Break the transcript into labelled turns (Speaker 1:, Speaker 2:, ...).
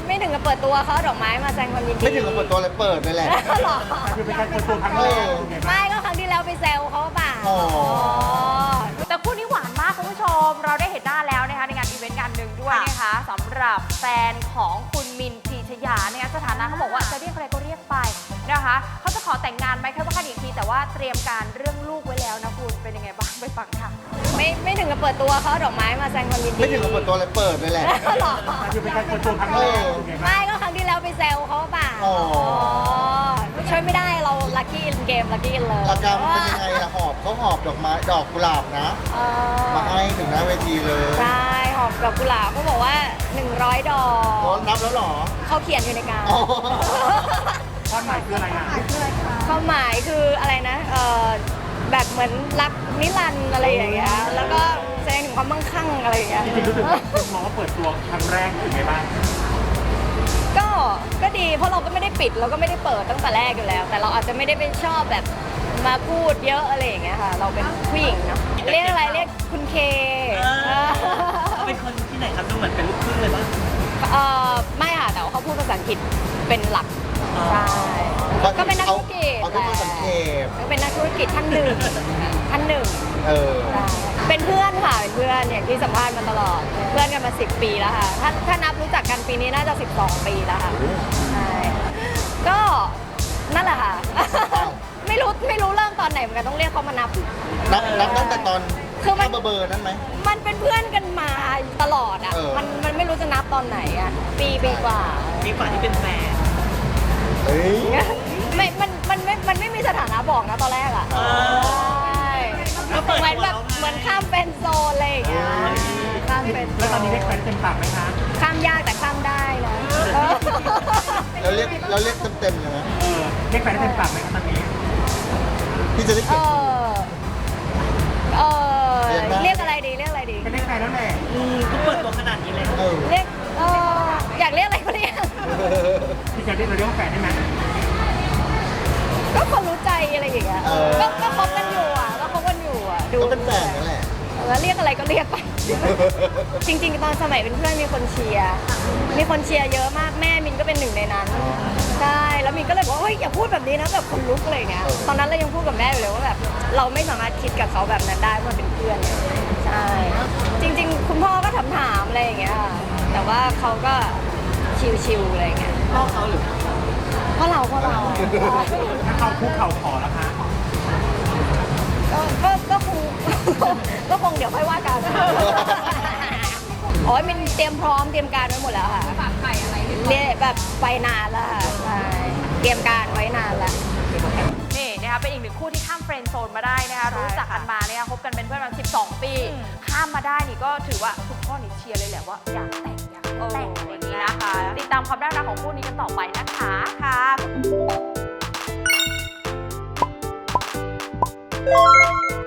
Speaker 1: ไม่ถึงกับเปิดตัวเขาดอกไม้มาแสดงความยินดี
Speaker 2: ไม่ถึงกับเปิดตัวเลยเปิดเลยแหละ
Speaker 1: หรอ
Speaker 3: คือเป็นการเปิดตัวครั้งแรก
Speaker 1: ไม่ก็ครั้งที่แล้วไปแซวเขาเปล่า
Speaker 2: อ๋อ
Speaker 4: แต่คู่นี้หวานมากคุณผู้ชมเราได้เห็นหน้าแล้วนะคะในงานอีเวนต์งานหนึ่งด้วยนะคะสำหรับแฟนของคุณมินพีชยาเนี่ยสถานะเขาบอกว่าจะเรียกอะไรก็เรียกไปนะคะเขาจะขอแต่งงานไหมแค่ว่ากันอีกทีแต่ว่าเตรียมการเรื่องลูกไว้แล้วนะคุณเป็นยังไงบ้างไปฟังค่ะ
Speaker 1: ไม่ถึงกับเปิดตัวเขาดอกไม้มาแสดงความยินดี
Speaker 2: ไม่ถึงกับเปิดตัวเลยเปิดเลยแหละ
Speaker 1: หรอ
Speaker 3: คือเป็นการเปิดตัวครั้งแรก
Speaker 1: ไม่ก็ครั้งที่แล้วไปแซวเขาเปล่า
Speaker 2: อ๋อ
Speaker 1: ช่วยไม่ได้เราลัคกี้อินเกมลัคกี้อินเลย
Speaker 2: อาการมันเป็นยังไงล่ะหอบเขาหอบดอกไม้ดอกกุหลาบนะมาให้ถึงหน้าเวทีเลย
Speaker 1: ใช่หอบดอกกุหลาบเขาบอกว่า100 ดอ
Speaker 2: อ๋อก นับแล้วเหรอ
Speaker 1: เขาเขียนอยู่ในการ
Speaker 2: อ๋อ
Speaker 3: ความหมายคืออะไรอ่ะ
Speaker 1: ความหมายคืออะไรนะแบบเหมือนรักนิรันดร์อะไรอย่างเงี้ยแล้วก็แสดงถึงความมั่งคั่งอะไรอย่างเงี้ย
Speaker 3: จริงๆรู้สึกมองว่าเปิดตัวครั้งแรกเป็นไงบ้าง
Speaker 1: ก็ดีเพราะเราก็ไม่ได้ปิดเราก็ไม่ได้เปิดตั้งแต่แรกอยู่แล้ว แต่เราอาจจะไม่ได้ไปชอบแบบมาพูดเยอะอะไรอย่างเงี้ยค่ะเราเป็นผู้หญิงเนาะเรียกอะไรเรียกคุณเค
Speaker 5: เป็นคนที่ไหนครับดูเหมือนเป็นลูกครึ่งเลยปะ
Speaker 1: ไม่ค่ะแต่ว่าเขาพูดภาษาอังกฤษเป็นหลักใช่ก็เป็นนักธุรกิจ
Speaker 2: เอาแค่คนสังเกต
Speaker 1: ก็เป็นนักธุรกิจท่านหนึ่ง
Speaker 2: เออ
Speaker 1: ใช่เป็นเพื่อนค่ะเป็นเพื่อนอย่างที่สัมภาษณ์มาตลอดเป็นเพื่อนกันมา10 ปีแล้วค่ะถ้านับรู้จักกันปีนี้น่าจะ12 ปีแล้วค่ะใช่ก็นั่นแหละค่ะ ไม่รู้เริ่มตอนไหนเหมือนกันต้องเรียกเขามานับ
Speaker 2: นับตั้งแต่ตอน
Speaker 1: คือมัน
Speaker 2: เบอร์นั้นไหม
Speaker 1: มันเป็นเพื่อนกันมาตลอดอ่ะ
Speaker 2: เออ
Speaker 1: มันไม่รู้จะนับตอนไหนอ่ะปีกว่า
Speaker 5: มีฝ่ายที่เป็นแฟน
Speaker 2: เฮ้ย
Speaker 1: มันไม่มีสถานะบอกนะตอนแรกอ่ะ
Speaker 5: เออ
Speaker 1: ใช่เหมือนแบบเหมือนข้ามเป็นโซนอะไรอย่างเงี้ยข้ามเป็นโซ
Speaker 3: แล้วตอนนี้เรียกแฟนเต็มปากไหมคะ
Speaker 1: ข้ามยากแต่ข้ามได้นะ
Speaker 2: เราเรียกเต็มๆเลยนะ
Speaker 3: เรียกแฟนเต็มปากไหมคะตอนนี้
Speaker 2: พี่จะได้
Speaker 1: เอ
Speaker 2: เก็บ
Speaker 1: เรียกอะไรดี
Speaker 3: ก็เรียกแฟนแล้วแหละ
Speaker 5: ก็เปิดตัวขนาดนี้เลย
Speaker 2: เออ
Speaker 1: เรียกอยากเรียกอะไรก็เรียก
Speaker 3: พี่จะเรียกเราเรียกว่าแฟนได้ไหม
Speaker 1: ก็คนรู้ใจอะไรอย่างเงี้ยก็คบกันอยู่อ่ะดู
Speaker 2: ก็เป็นแฟนนั่นแหละ
Speaker 1: แล้วเรียกอะไรก็เรียกไป จริงๆ ตอนสมัยเป็นเพื่อนมีคนเชียร์เยอะมากแม่มินก็เป็นหนึ่งในนั้นใช่แล้วมินก็เลยบอกว่าเฮ้ยอย่าพูดแบบนี้นะแบบคนลุกอะไรอย่างเงี้ยตอนนั้นเรายังพูดกับแม่อยู่เลยว่าแบบเราไม่สามารถคิดกับเขาแบบนั้นได้เพราะมันเป็นเพื่อนใช่จริงๆ คุณพ่อก็ถามอะไรอย่างเงี้ยแต่ว่าเขาก็ชิวๆอะไรอย่างเงี้ย
Speaker 5: พ่อเขาหรือ
Speaker 1: เพราะเรา
Speaker 3: ถ้าเขาคุกเข่าขอแล้วคะ
Speaker 1: ก็คงเดี๋ยวค่อยว่ากันโอ้ยมินเตรียมพร้อมเตรียมการไว้หมดแล้วค่ะฝากไข่อะไรเรียแบบไปนานแล้วค่ะใช่เตรียมการไว้นานแล้ว
Speaker 4: นี่นะคะเป็นอีกหนึ่งคู่ที่ข้ามเฟรนด์โซนมาได้นะคะรู้จักกันมาเนี่ยคบกันเป็นเพื่อนมา12 ปีข้ามมาได้นี่ก็ถือว่าคุณพ่อนี่เชียร์เลยแหละว่าอยากแต่งอะไรอย่างนี้นะคะติดตามความน่ารักของคู่นี้กันต่อไปนะคะค่ะ